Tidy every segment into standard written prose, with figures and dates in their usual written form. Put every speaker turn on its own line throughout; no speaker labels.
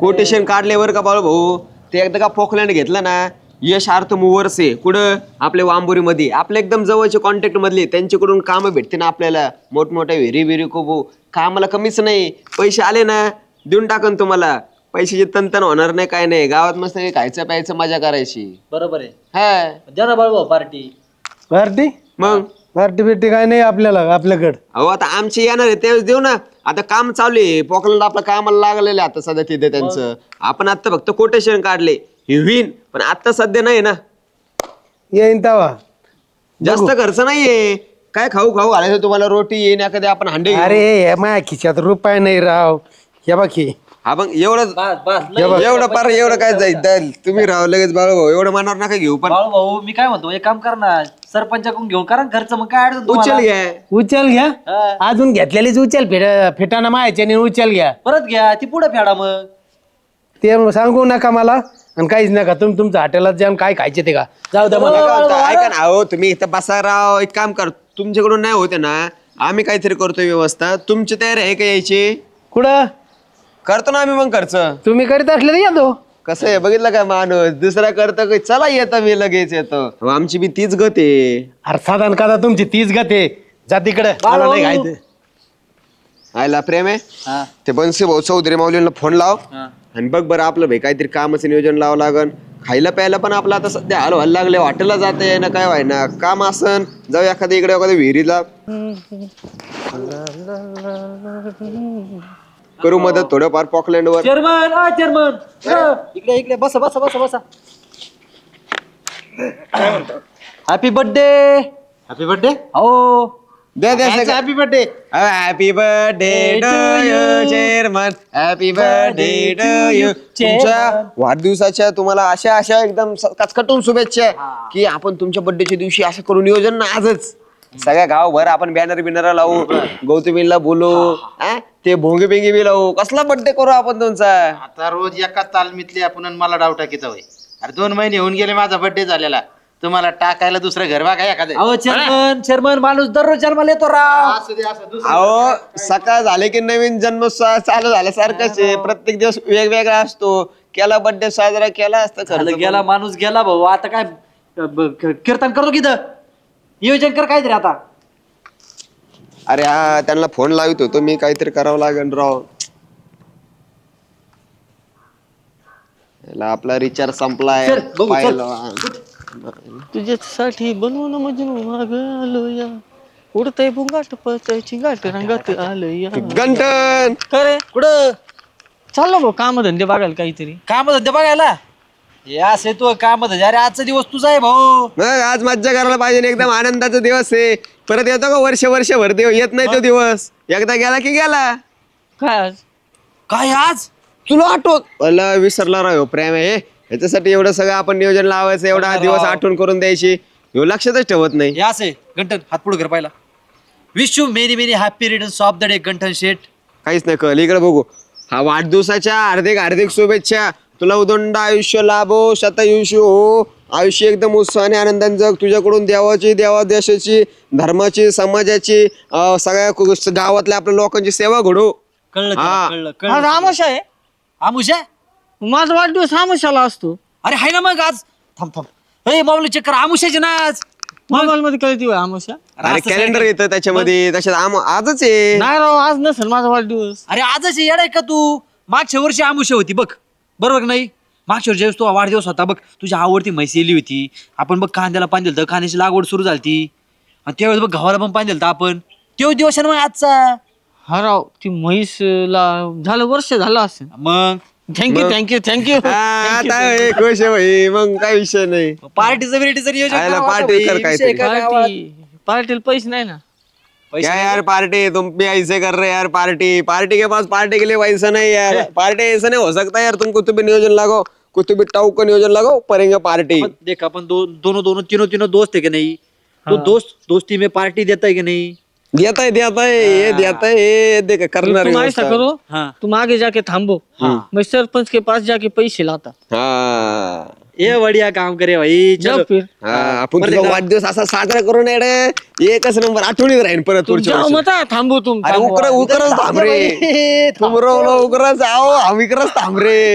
Quotation काढल्यावर का बाळू भाऊ ते एकदा का पोखलँड घेतलं ना यश अर्थ मूवर्स आहे कुठं आपल्या वांबोरीमध्ये आपल्या एकदम जवळचे कॉन्टॅक्ट मधले त्यांच्याकडून कामं भेटते ना आपल्याला मोठमोठ्या विहिरी विहिरी खूप कामाला कमीच नाही पैसे आले ना देऊन टाकन तुम्हाला पैशाची तंतन होणार नाही काय नाही गावात मस्त खायचं प्यायचं मजा करायची
बरोबर आहे
हा
द्या ना बाळू पार्टी
पार्टी
मग
पार्टी बिर्टी काय नाही आपल्याला आपल्याकडं.
अहो आता आमचे येणार आहे त्यावेळेस देऊ ना आता काम चालू आहे पोकलंड आपलं कामाला लागलेलं आहे आता सध्या तिथे त्यांचं आपण आता फक्त कोटेशन काढले हे होईन पण आता सध्या नाही ना
येईन तवा.
जास्त खर्च नाहीये काय खाऊ खाऊ घालायचं तुम्हाला रोटी येईन एखादी आपण हांडे घेऊ.
अरे माझ्या खिशात रुपये नाही राव. हे बाकी
हा मग एवढं
बस बस लय.
एवढं पार एवढं काय जाईल तुम्ही राव लगेच बाळू भाऊ एवढं मनावर नका घेऊ पण
बाळू भाऊ मी काय म्हणतो एक काम कर ना सरपंचाकडून घेऊन करा ना खर्च मग काय अडचण
उचल
तुम्हाला?
घ्या
उचल घ्या
हा.
अजून घेतलेलीच उचल फेटाना मायाच्याने उचल घ्या.
परत घ्या ती पुढे फेडा मग
ते सांगू नका मला आणि काहीच नका तुम्ही तुमच्या हॉटेलात जाऊन काय खायचे ते का जाऊ द्या मला.
नका म्हणता. ऐका ना अहो तुम्ही इथं बसा राव एक काम कर तुमच्याकडून नाही होते ना आम्ही काहीतरी करतोय व्यवस्था तुमची तयारी आहे का यायची
कुठं
करतो ना आम्ही मग खर्च
तुम्ही करीत असले तर येतो.
कसं आहे बघितलं का माणूस दुसरा करतो की चला येतं मी लगेच येतो अहो, आमची बी तीच गत आहे
अरे साधारण कदा तुमची तीच गते जा तिकडे मला नाही खायचं.
आयला प्रेम आहे
हा
ते बनसे भाऊ चौधरी माऊलींना फोन लाव
हा
आणि बघ बरं आपलं भाई काहीतरी कामाचं नियोजन लावावं लागन खायला प्यायला पण आपलं आता सध्या हाल व्हायला लागले हॉटेलला जाते ना काय व्हाय ना काम असन जाऊ एखाद्या इकडे एखाद्या विहिरीला करू मदत थोडंफार पॉकलँड वर
चेअरमन चेअरमन इकडे इकडे बसा बसा बसा बसा हॅपी बर्थडे
हॅपी बर्थडे
हो
द्या द्या
happy birthday
happy birthday to you chairman happy birthday to you तुमच्या वाढदिवसाच्या तुम्हाला अशा अशा एकदम कचकटून शुभेच्छा की आपण तुमच्या बर्थडेच्या दिवशी असं करू नियोजन ना आजच सगळ्या गावभर आपण बॅनर बिनर लावू गौतमीला बोलू हा? ते भोंगे बिंगे बी लावू कसला बर्थडे करू आपण तुमचा
आता रोज एका तालमीतले आपण आणि मला डाव टाकीचा होय. अरे 2 महिने होऊन गेले माझा बर्थडे झालेला तुम्हाला टाकायला दुसरं घर बघा एखादं
अहो चेअरमन माणूस दररोज जन्माला येतो राव
असू दे असं दुसरं
अहो सकाळ झाले की नवीन जन्मोत्सव चालू झाल्यासारखंच आहे प्रत्येक दिवस वेगवेगळा असतो केला बर्थडे साजरा केला असता
झालं
खर्च
गेला माणूस गेला भाऊ आता काय कीर्तन करतो की इथं? नियोजन कर काहीतरी आता
अरे हा त्यांना फोन लावित होतो मी काहीतरी करावं लागेल राव याला आपला रिचार्ज संपलाय
चल, बघू, चल.
पाहिलं.
तुझ्यासाठी बनवून मजनू माग आलो या उडतय बुंगाट पळतयची गाठ रंगात आलो या
गंटन
करे
कुठं
चाललो भाऊ काम धंदे बघायला काहीतरी
काम धंदे बघायला हे असे तू काम धंदे अरे आजचा दिवस तुझा आहे भाऊ
मग आज मज्जा करायला पाहिजे ना, एकदम आनंदाचा दिवस आहे परत येतो का वर्षभर देव येत नाही तो दिवस एकदा गेला की गेला
काय आज
काय आज
तुला आठवत मला विसरला राव प्रेम आहे ह्याच्यासाठी एवढं सगळं आपण नियोजन लावायचं एवढा
अरे
दिवस
राव.
आठवण करून द्यायची ह्यो लक्षातच ठेवत नाही
हे असे गंठन हात पुढे कर पाहिला wish you many many happy returns of the day Ganthan Sheth
काहीच नाही कळ इकडे बघू हा वाढदिवसाच्या हार्दिक हार्दिक शुभेच्छा तुला उदंड आयुष्य लाभो शतायुष्य हो आयुष्य एकदम उत्साहाने आनंदाने जग तुझ्याकडून देवाची देवा देशाची धर्माची समाजाची सगळ्या गावातल्या आपल्या लोकांची सेवा घडो
कळलं
हा.
कळलं
आज
कळलं
आमाशा आहे
आमुषा
माझा वाढदिवस आमाशाला असतो
अरे हाय ना मग आज थांब थांब हे माऊली चक्कर आमुषाची ना आज
मोबाईल मध्ये कळती होय आमाशा
अरे
असं
कॅलेंडर
सांगितलं.
येतं त्याच्यामध्ये तशात आजच आहे
नाही राव आज नसेल माझा वाढदिवस
अरे आजच येडाय का तू मागच्या वर्षी आमुषा होती बघ बरोबर का नाही मागच्या वर्षी तो वाढदिवस होता बघ तुझ्या आवडती म्हैस येली होती आपण बघ कांद्याला पाणी दिलं कांद्याची लागवड सुरू झाली आणि त्यावेळेस बघ गव्हाला पण पाणी दिलं आपण तो दिवस आहे ना मग आजचा
हा राव ती म्हैसला झालं वर्ष झालं असेल
मग
थँक्यू
आता हे खुश आहे भाई मग काय विषय नाही
पार्टीचं बिर्टीचं नियोजन
आयला
करावं
party
आता
कर
भाई,
काहीतरी.
विषय काय गावात?
पार्टीला पैसे नाही ना
पैसे
क्या
नाही
यार पार्टी तुम भी ऐसे कर रहे यार पार्टी पार्टी के पास पार्टी के लिए पैसा नहीं यार पार्टी ऐसा नहीं हो सकता यार तुम कुछ भी नियोजन लगाओ कुछ भी टाउ का नियोजन लगाओ करेंगे पार्टी
आपण देख अपन दोनों तीनों दोस्त है कि नहीं तो दोस्ती में पार्टी देता है कि नहीं
देता है ये देता है ये देख करना
तुम ऐसा करो
हाँ
तुम आगे जाके थांबो मैं सरपंच के पास जाके पैसे लाता
हाँ
ये बढ़िया काम करे भाई
जाओ
चलो
फिर
हाँ आपण तुझा वाढदिवस असा साजरा करू नये रे एकच नंबर आठवणीत राहील परत पुढच्या
जाऊ
वर्षी.
मग आता, थांबू
अरे उकरच थांब रे तुमरवलं उकरच आहो आम्ही करच थांब रे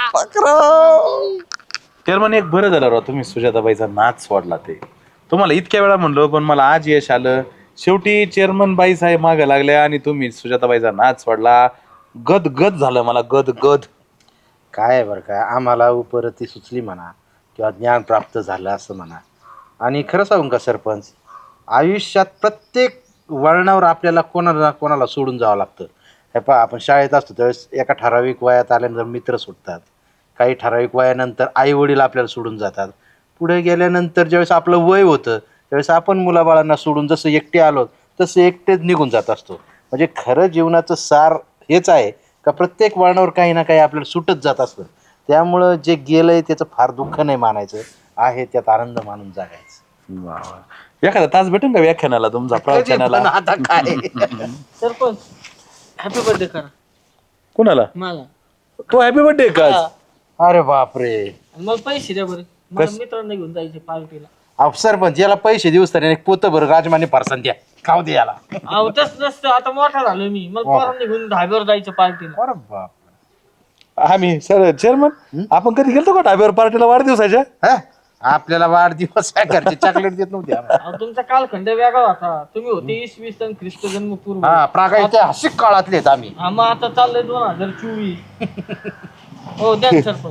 पकराव.
चेअरमन एक बरं झालं राव तुम्ही सुजाताबाईचा नाच सोडला ते. तुम्हाला इतक्या वेळा म्हणलो पण मला आज यश आलं. शेवटी चेअरमन बाई साहेब मागे लागल्या आणि तुम्ही सुजाताबाईचा नाच सोडला. गद गद झालं मला गद गद.
काय आहे बरं का, आम्हाला उपरती सुचली म्हणा किंवा ज्ञान प्राप्त झालं असं म्हणा. आणि खरं सांगू का सरपंच, आयुष्यात प्रत्येक वळणावर आपल्याला कोणाला कोणाला सोडून जावं लागतं. हे पहा, आपण शाळेत असतो त्यावेळेस एका ठराविक वयात आल्यानंतर मित्र सुटतात, काही ठराविक वयानंतर आई वडील आपल्याला सोडून जातात. पुढे गेल्यानंतर ज्यावेळेस आपलं वय होतं त्यावेळेस आपण मुलाबाळांना सोडून जसं एकटे आलो तसं एकटेच निघून जात असतो. म्हणजे खरं जीवनाचं सार हेच आहे का प्रत्येक वळणावर काही ना काही आपल्याला सुटत जात असतं. त्यामुळं जे गेलंय त्याचं फार दुःख नाही मानायचं, आहे त्यात आनंद मानून जगायचं.
एखादा तास भेटेल का व्याख्यानाला तुमचा प्रवचनाला?
पण आता काय
सरपंच हॅपी बर्थडे करा
कुणाला?
मला.
तो हॅपी बर्थडे का?
अरे बापरे,
आणि मला पैसे द्या बरं, मला मित्रांना घेऊन जायचे पार्टीला.
सरपंच याला पैसे देऊस तर एक पोतं बरं राजमाने फारसान द्या, खाऊ दे याला.
अहो तसं नसतं, आता मोठा झालो मी, मला पोरांना घेऊन ढाब्यावर जायचं पार्टीला.
अरे बाप,
आम्ही सर चेअरमन आपण कधी गेलतो का ढाब्यावर पार्टीला वाढदिवसाच्या?
हा? आपल्याला वाढदिवस आहे घरचे चॉकलेट देत नव्हते आम्हाला.
अहो, तुमचा कालखंड वेगळा होता, तुम्ही होते इसवी सन ख्रिस्त जन्मपूर्व.
हा, प्रागायच्या हसिक काळातले आहेत आम्ही.
मग आता चाललंय 2024. हो द्या ना सरपंच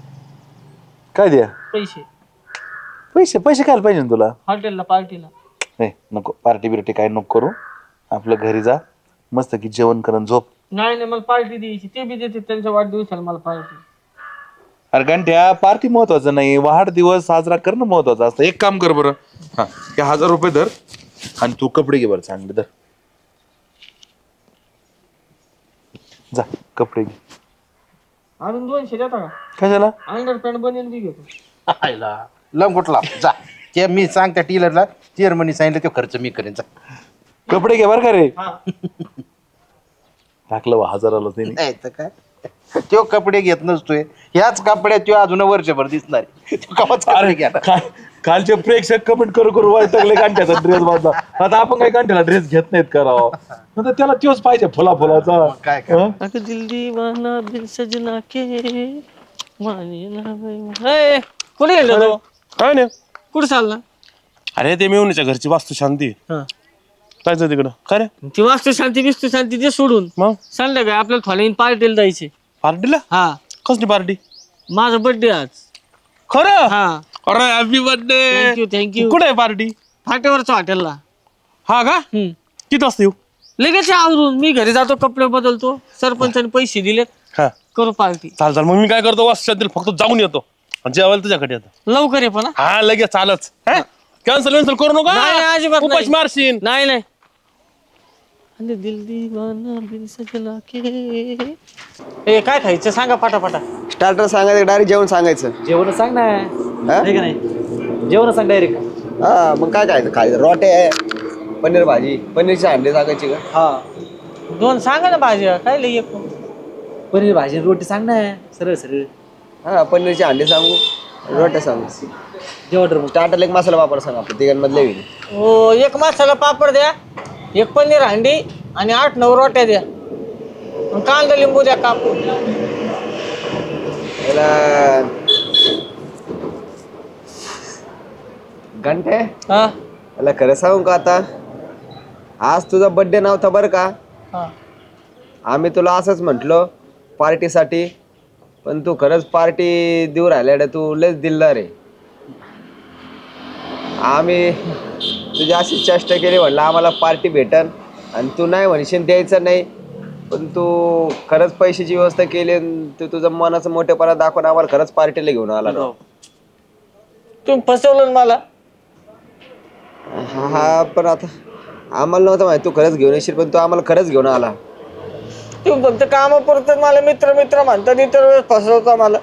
काय द्या?
पैसे
पैसे पैसे काय पाहिजे ना तुला?
हॉटेलला पार्टीला.
नाही नको, पार्टी बिर्टी काय नको करू. आपलं घरी जा मस्त की जेवण करून झोप.
नाही मला पार्टी द्यायची, ते बी देते त्यांच्या वाढदिवसाला मला पार्टी.
अरे घंट्या पार्टी महत्वाचं नाही, वाढदिवस साजरा करणं महत्वाचं असतं. एक काम कर बरं, हा हे 1000 रुपये धर आणि तू कपडे घे बरं चांगले. धर जा कपडे घे.
अजून 200 देता का?
कशाला?
अंडरपॅन्ट बनेल बी घेतो.
आयला लंगोटला जा, ते मी सांग त्या टीलरला, चेअरमनी सांगितलं तो खर्च मी करेन. जा.
कपडे घे बरं का रे.
हा.
टाकलं 1000 त्यांनी.
नाही तर काय, तो कपडे घेत नसतोय, ह्याच कपड्यात तो अजून वर्षभर दिसणार आहे. तो कवाच कपडे घ्या.
कालचे प्रेक्षक कमेंट करू करू वाटले गांठ्याचा ड्रेस बांधला. आता आपण काही गांठ्याला ड्रेस घेत नाहीत करावं, नंतर त्याला तोच पाहिजे फुला फुलाचा.
काय
अगं दिल दीवाना दिल सजना के माने ना बाई. कुठे गेलो तो?
काय नाही.
कुठे चालला?
अरे ते मेवणीच्या घरची वास्तू शांती.
हा.
जायचं तिकडं. काय रे
ती वास्तू शांती बिस्तू शांती ते सोडून
मग
संध्याकाळी आपल्याला थोड्या पार्टीला जायचे.
पार्टीला?
हा,
कसली पार्टी?
माझा बर्थडे आज.
खरं?
हा,
अरे हॅपी बर्थडे.
Thank you thank you.
कुठे आहे पार्टी?
फाट्यावरच्या हॉटेलला.
हा का? किती वाजता येऊ?
लगेच आवरून मी घरी जातो, कपडे बदलतो, सरपंचाने पैसे दिलेत,
हा
करू पार्टी.
चाल मग मी काय करतो वास्तू शांतील फक्त जाऊन येतो आणि जेवायला तुझ्याकडे येतो.
लवकर ये पण.
हा लगेच चालच. कॅन्सल करू
नाही, नाही,
नका,
अजिबात नाही.
उपास मारशील.
नाही नाही. अरे दिल दीवाना दिल सजना के. ए काय खायचं सांगा पटापटा.
स्टार्टर सांगायचं डायरेक्ट जेवण सांगायचं.
जेवण सांग ना.
हा?
नाही का नाही, जेवण सांग डायरेक्ट.
हा मग काय खायचं रोटे आहे, पनीर भाजी, पनीरचे अंडे सांगायची का?
हा,
2 सांगा ना भाज्या, काय लई एक.
पनीर भाजी रोटी सांग ना, सरळ सरळ.
हा पनीरचे अंडे सांगू, रोटे सांगू.
जेवण मग.
स्टार्टरला एक मसाला वापर सांग आपल्या तिघांमधले होईल.
हो, एक मसाला पापड द्या, एक पनीर हंडी आणि 8-9 रोट्या द्या, आणि कांदा लिंबू द्या कापून.
घंटे
हा
मला खरं सांगू का, आता आज तुझा बर्थडे नव्हता बरं का.
हा.
आम्ही तुला असंच म्हटलो पार्टीसाठी, पण तू खरंच पार्टी देऊ राहिल्या, तू लयच दिलदार आहे. आम्ही तुझी अशी चेष्टा केली, म्हणलं आम्हाला पार्टी भेटन आणि तू नाही म्हणशील द्यायचं नाही, पण तू खरंच पैशाची व्यवस्था केली आणि तू तुझं मनाचं मोठेपणा दाखवून आम्हाला खरंच पार्टीला घेऊन आला ना.
तुम्ही फसवलं ना मला.
हा पण आता आम्हाला नव्हतं माहिती तू खरंच घेऊन येशील, पण तू आम्हाला खरंच घेऊन आला.
तुम्ही फक्त कामापुरतं मला मित्र मित्र म्हणतात, इतर वेळेस फसवता मला.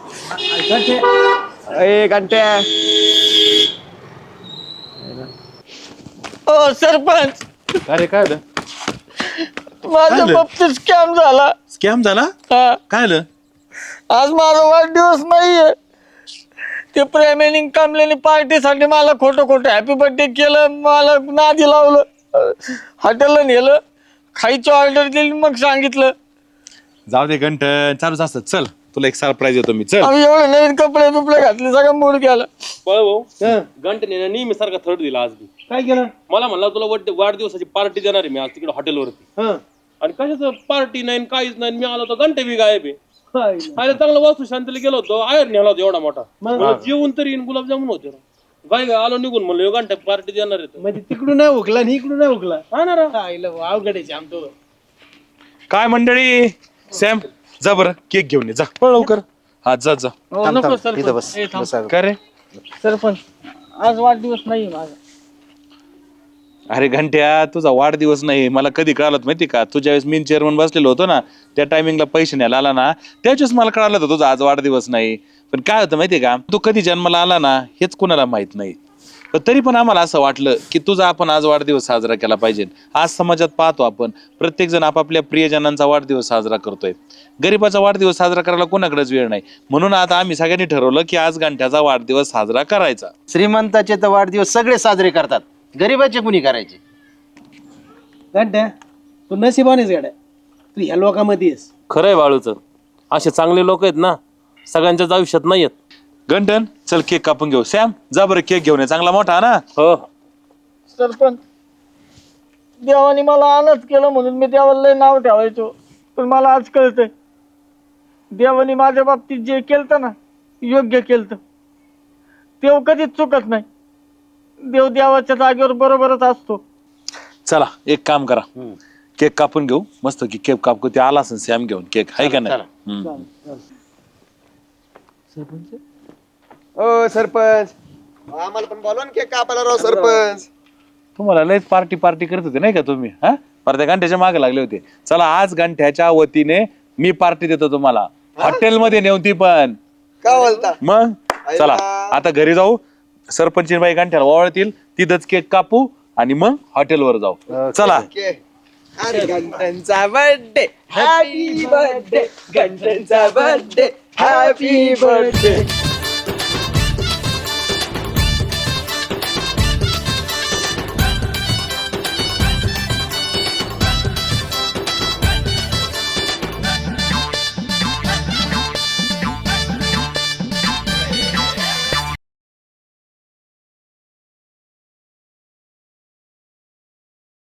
ए घंट्या,
हो सरपंच,
अरे काय झालं?
माझ्या बाबतीत स्कॅम झाला.
स्कॅम झाला?
हा,
काय झालं?
आज माझा वाढदिवस नाहीये. ते प्रेमाने कामल्याने पार्टीसाठी मला खोटं खोटं हॅपी बर्थडे केलं, मला नादी लावलं, हॉटेलला नेलं, खायची ऑर्डर दिली, मग सांगितलं
जाऊ दे घंटन चालूच असतं. चल तुला एक सरप्राईज देतो मी. चल
आम्ही एवढे नवीन कपडे बिपडे घातले, सगळं मूड गेला.
भाऊ घंटेने नेहमी सारखा थर्ड दिला आज मी.
काय केलं?
मला म्हणला तुला वाढदिवसाची पार्टी देणार आहे मी आज तिकडे हॉटेलवरती.
हं.
आणि कशाचं पार्टी नाही काहीच नाही. मी आलो तर घंटे बी गायब आहे. आयला चांगला वास्तू शांतीला गेलो होतो, आयर नेला होता एवढा मोठा. मला जेवण तरी गुलाबजामुन होते. गाय गाय आलो निघून म्हणलं घंटे पार्टी देणार आहे.
म्हणजे तिकडून नाही उकला आणि इकडून नाही उकला.
हा ना राव.
अवघड आमतो.
काय मंडळी, सॅम जा बरं केक घेऊन ये, जा पळ लवकर. हा जा जा.
हो, नको
इथं बस
सरपंच.
बसा.
काय रे?
सरपंच आज वाढदिवस नाही माझा.
अरे घंट्या तुझा वाढदिवस नाही मला कधी कळालं माहिती का? तुझ्या वेळेस मी चेअरमन बसलेलो होतो ना, त्या टायमिंगला पैसे न्यायला आला ना, त्याच्याच मला कळालं होतं तुझा आज वाढदिवस नाही. पण काय होतं माहितीये का, तू कधी जन्माला आला ना हेच कोणाला माहित नाही. पण तरी पण आम्हाला असं वाटलं की तुझा आपण आज वाढदिवस साजरा केला पाहिजे. आज समाजात पाहतो आपण प्रत्येक जण आपापल्या प्रियजनांचा वाढदिवस साजरा करतोय. गरीबाचा वाढदिवस साजरा करायला कोणाकडेच वेळ नाही. म्हणून आता आम्ही सगळ्यांनी ठरवलं की आज घंट्याचा वाढदिवस साजरा करायचा.
श्रीमंताचे तर वाढदिवस सगळे साजरे करतात, गरीबाचे कुणी करायचे?
गड्ड्या तू नशिबानेच गड्या, तू ह्या लोकांमध्ये आहेस.
खरंय बाळूचं, असे चांगले लोक आहेत ना सगळ्यांच्याच आयुष्यात नाही आहेत.
घंटन चल केक कापून घेऊ. सॅम जा बरं केक घेऊन ये, चांगला मोठा ना.
हो
सरपंच देवाने मला आनंद केलं म्हणून मी देवाला लय नाव ठेवायचो, पण मला आज कळतंय देवाने माझ्या बाबतीत जे केलं ना योग्य केलं. देव कधीच चुकत नाही, देव देवाच्या जागेवर बरोबरच असतो.
चला एक काम करा, केक कापून घेऊ मस्त की. केक कापू ते आला असेल सॅम घेऊन केक, आहे का नाही?
ओ सरपंच आम्हाला पण बोलवा ना केक कापायला राव सरपंच.
तुम्हाला लयच पार्टी पार्टी करत होते नाही का तुम्ही? हा परत घंट्याच्या मागे लागले होते. चला आज घंट्याच्या वतीने मी पार्टी देतो तुम्हाला, हॉटेलमध्ये नेऊन ती पण.
का बोलता?
मग चला आता घरी जाऊ, सरपंच बाई घंट्याला ओवाळतील, तिथंच केक कापू आणि मग हॉटेलवर जाऊ. चला
अरे घंटनचा बर्थडे हॅपी बर्थडे, घंटनचा बर्थडे हॅपी बर्थडे.